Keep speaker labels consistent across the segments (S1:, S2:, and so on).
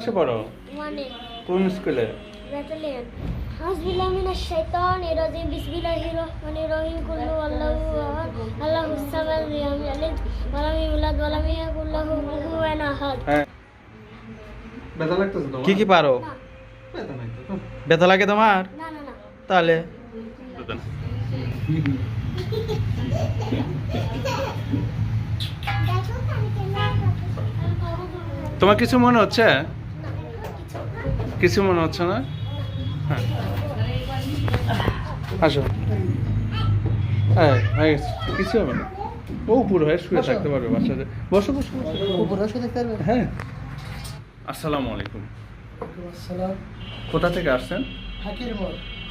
S1: ক্লাসে পড়ো?
S2: ওয়ানে।
S1: কোন স্কুলে?
S2: ব্যাটালিয়ন। হাউযুবিল্লাহি মিনাশ শাইতানির রাজিম বিসমিল্লাহির রহমানির রহিম কুল্লু আল্লাহু আহাদ আল্লাহুস সামাদ লাম ইয়ালিদ ওয়া লাম ইউলাদ ওয়া লাম ইয়াকুল লাহু কুফুওয়ান আহাদ।
S1: হ্যাঁ।
S3: ব্যথা লাগতেছে তোমার?
S1: কি কি পারো?
S2: না
S3: ব্যথা নাই তো।
S1: ব্যথা লাগে তোমার?
S2: না না না।
S1: তাহলে তোমার কিছু মনে হচ্ছে? কিছু মনে হচ্ছে না? হ্যাঁ আসো। হ্যাঁ হয়ে গেছে, কিছু হবে না। ও পুরো হয়ে শুয়ে থাকতে পারবে বাচ্চাদের। বসো বসো বসো।
S4: উপরে বসে দেখতে পারবে?
S1: হ্যাঁ। আসসালামু আলাইকুম।
S4: আসসালাম।
S1: কোথা থেকে আসছেন?
S4: হাকির মোড়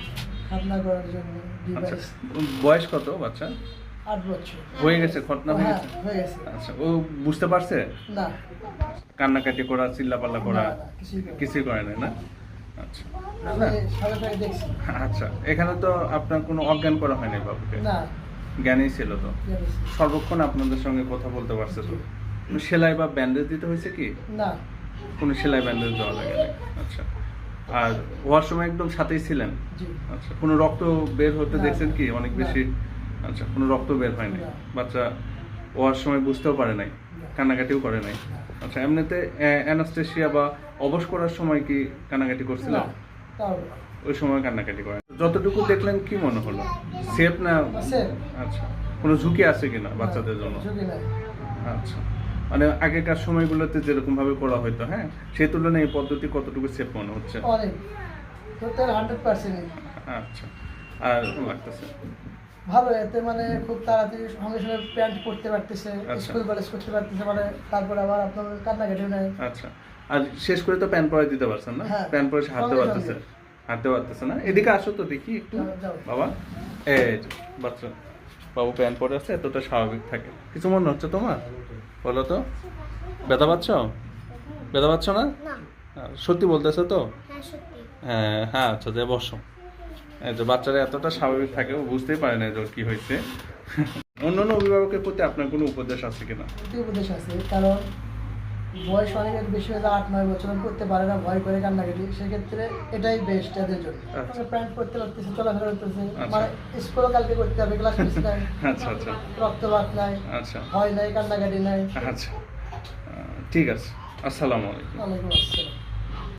S4: খাতনা করার জন্য
S1: আচ্ছা,
S4: ডিভাইস।
S1: বয়স কত বাচ্চা?
S4: 8 বছর।
S1: হয়ে গেছে, খতনা হয়ে
S4: হ্যাঁ,
S1: গেছে?
S4: হয়ে গেছে।
S1: আচ্ছা, ও বুঝতে পারছে?
S4: না
S1: কান্নাকাটি করা, চিল্লাপাল্লা করা
S4: না, না,
S1: কিছুই করে নাই না? আচ্ছা
S4: আমি সাথে সাথে দেখছি।
S1: আচ্ছা, এখানে তো আপনার কোনো অজ্ঞান করা হয়নি বাবুকে?
S4: না
S1: জ্ঞানই ছিল তো?
S4: দেখছি।
S1: সর্বক্ষণ আপনাদের সঙ্গে কথা বলতে পারছে তো? কোনো সেলাই বা ব্যান্ডেজ দিতে হয়েছে কি?
S4: না
S1: কোনো সেলাই ব্যান্ডেজ দেওয়া লাগে না? আচ্ছা, আর হওয়ার সময় একদম সাথেই ছিলেন?
S4: জি
S1: আচ্ছা, কোনো রক্ত বের হতে
S4: না,
S1: দেখছেন কি অনেক
S4: না।
S1: বেশি? আচ্ছা, কোনো রক্ত বের হয়নি?
S4: না।
S1: বাচ্চা হওয়ার সময় বুঝতেও পারে নাই,
S4: না।
S1: কান্নাকাটিও করে নাই?
S4: না।
S1: আচ্ছা, এমনিতে অ্যানাস্থেসিয়া বা অবশ করার সময় কি কান্নাকাটি করছিল?
S4: না, তাও
S1: ওই সময় কান্নাকাটি করে? যতটুকু দেখলেন কি মনে হলো? সেফ না?
S4: আছে।
S1: আচ্ছা, কোনো ঝুঁকি আছে কিনা বাচ্চাদের জন্য?
S4: ঝুঁকি নাই।
S1: আচ্ছা, মানে আগেকার সময়গুলোতে যেরকম ভাবে করা হতো, হ্যাঁ, সেই তুলনায় এই পদ্ধতি কতটুকু সেফ মনে হচ্ছে?
S4: অনেক টোটাল 100%।
S1: আচ্ছা, আর লাগতেছে?
S4: ভালো, এতে মানে খুব তাড়াতাড়ি সঙ্গে সঙ্গে প্যান্ট পরতে পারতেছে,
S1: আচ্ছা।
S4: স্কুল কলেজ করতে পারতেছে, মানে তারপরে আবার আপনার কান্নাকাটিও নাই।
S1: আচ্ছা, আর শেষ করে তো প্যান্ট পরে দিতে পারছেন না?
S4: হ্যাঁ।
S1: প্যান্ট পরে হাঁটতে
S4: সঙ্গে
S1: পারতেছে? হাঁটতে পারতেছে না? এদিকে আসো তো দেখি একটু।
S4: যাও, যাও।
S1: বাবা, এই যে, বাচ্চা বাবু প্যান্ট পরে আছে, এতটা স্বাভাবিক থাকে। কিছু মনে হচ্ছে তোমার? বলো তো, ব্যথা পাচ্ছ? ব্যথা পাচ্ছ না?
S2: না।
S1: সত্যি বলতেছো তো?
S2: হ্যাঁ সত্যি।
S1: হ্যাঁ হ্যাঁ, আচ্ছা যে বসো। এই যে বাচ্চারা এতটা স্বাভাবিক থাকে, ও বুঝতেই পারে না যে ওর কি হয়েছে। অন্যান্য অভিভাবকের প্রতি আপনার কোনো উপদেশ আছে কিনা?
S4: একটি উপদেশ আছে, কারণ বয়স অনেকের বেশি হয়ে যায়, 8-9 বছর করতে পারে না, ভয় করে কান্নাকাটি, সেক্ষেত্রে এটাই বেস্ট এদের জন্য।
S1: আচ্ছা।
S4: প্যান্ট পরতে পারতেছে, চলাফেরা করতেছে,
S1: আচ্ছা।
S4: মানে স্কুলও কালকে করতে হবে, ক্লাস মিস নাই,
S1: আচ্ছা আচ্ছা
S4: রক্তপাত নাই,
S1: আচ্ছা
S4: ভয় নাই, কান্নাকাটি নাই।
S1: আচ্ছা, ঠিক আছে। আসসালামু আলাইকুম।
S4: ওয়ালাইকুম আসসালাম।